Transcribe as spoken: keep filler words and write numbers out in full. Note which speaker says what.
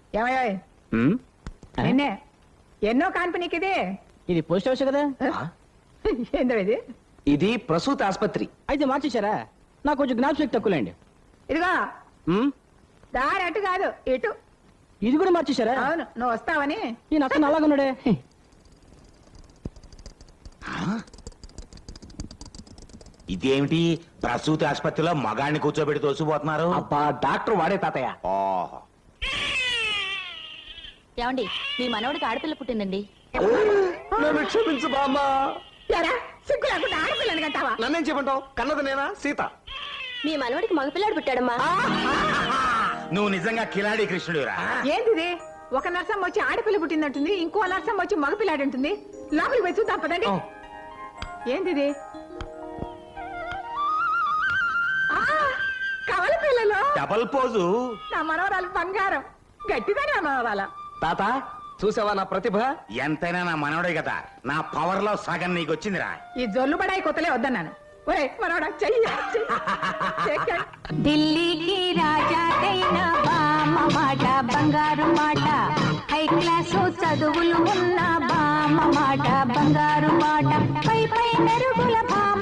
Speaker 1: ఏమయ్యా
Speaker 2: ఉమ్,
Speaker 1: నిన్నే ఎన్నో కాన్పనీకి ఇది
Speaker 2: ఇది పోస్ట్ హౌస్ కదా?
Speaker 1: ఏందో ఇది
Speaker 3: ఇది ప్రసూతి ఆసుపత్రి.
Speaker 2: అయితే మార్చేశారా? నాకు కొంచెం జ్ఞాపశక్తి తక్కువలేండి.
Speaker 1: ఇదిగో
Speaker 2: ఉమ్,
Speaker 1: దారి అటు కాదు ఇటు.
Speaker 2: ఇది కూడా మార్చేశారా?
Speaker 1: అవును నువ్వు వస్తావని.
Speaker 2: ఈ నక్కను అలాగున్నాడే.
Speaker 4: ఇదేమిటి ప్రసూతి ఆసుపత్రిలో మగాడిని కూర్చోబెట్టి తోసిపోతున్నారు?
Speaker 3: అబ్బా డాక్టర్ వాడే తాతయ్య.
Speaker 4: ఓహో.
Speaker 5: ఏమండి మీ మనవడికి ఆడపిల్ల పుట్టిందండి.
Speaker 3: నన్ను క్షమించు బామ్మా.
Speaker 1: ఎరా సిగ్గు లేకుండా ఆడపిల్లని కంటావా?
Speaker 3: నన్నేం చెప్పంటావు? కన్నది నేనా? సీత.
Speaker 5: మీ మనవడికి మగపిల్లాడు పుట్టాడమ్మా.
Speaker 4: నువ్వు నిజంగా కిలాడి కృష్ణుడురా.
Speaker 1: ఏంది ఇది? ఒక నర్సం వచ్చి ఆడపిల్ల పుట్టిందంటుంది, ఇంకో నర్సం వచ్చి మగపిల్లాడు ఉంటుంది. లోపలికి పోయి చూద్దాం పదండి. ఏంది ఇది? ఆ, కవల పిల్లలు.
Speaker 4: Double pose.
Speaker 1: నా మనవరాలు బంగారం. గట్టిదా నా మనవరాల.
Speaker 3: తాత చూసావా నా ప్రతిభ?
Speaker 4: ఎంతైనా నా మనవడే కదా. నా పవర్ లో సగం నీకు వచ్చిందిరా.
Speaker 1: ఈ జొల్లు బడాయి కొత్తలే వద్దన్నాను. ఒరే మనవడా చెయ్యి చెయ్యి.
Speaker 6: ఢిల్లీకి రాజా అయిన బామ్మ మాట బంగారు మాట, హై క్లాసు చదువులు ఉన్న బామ్మ మాట బంగారు మాట, పై పై మెరుగుల బామ్మ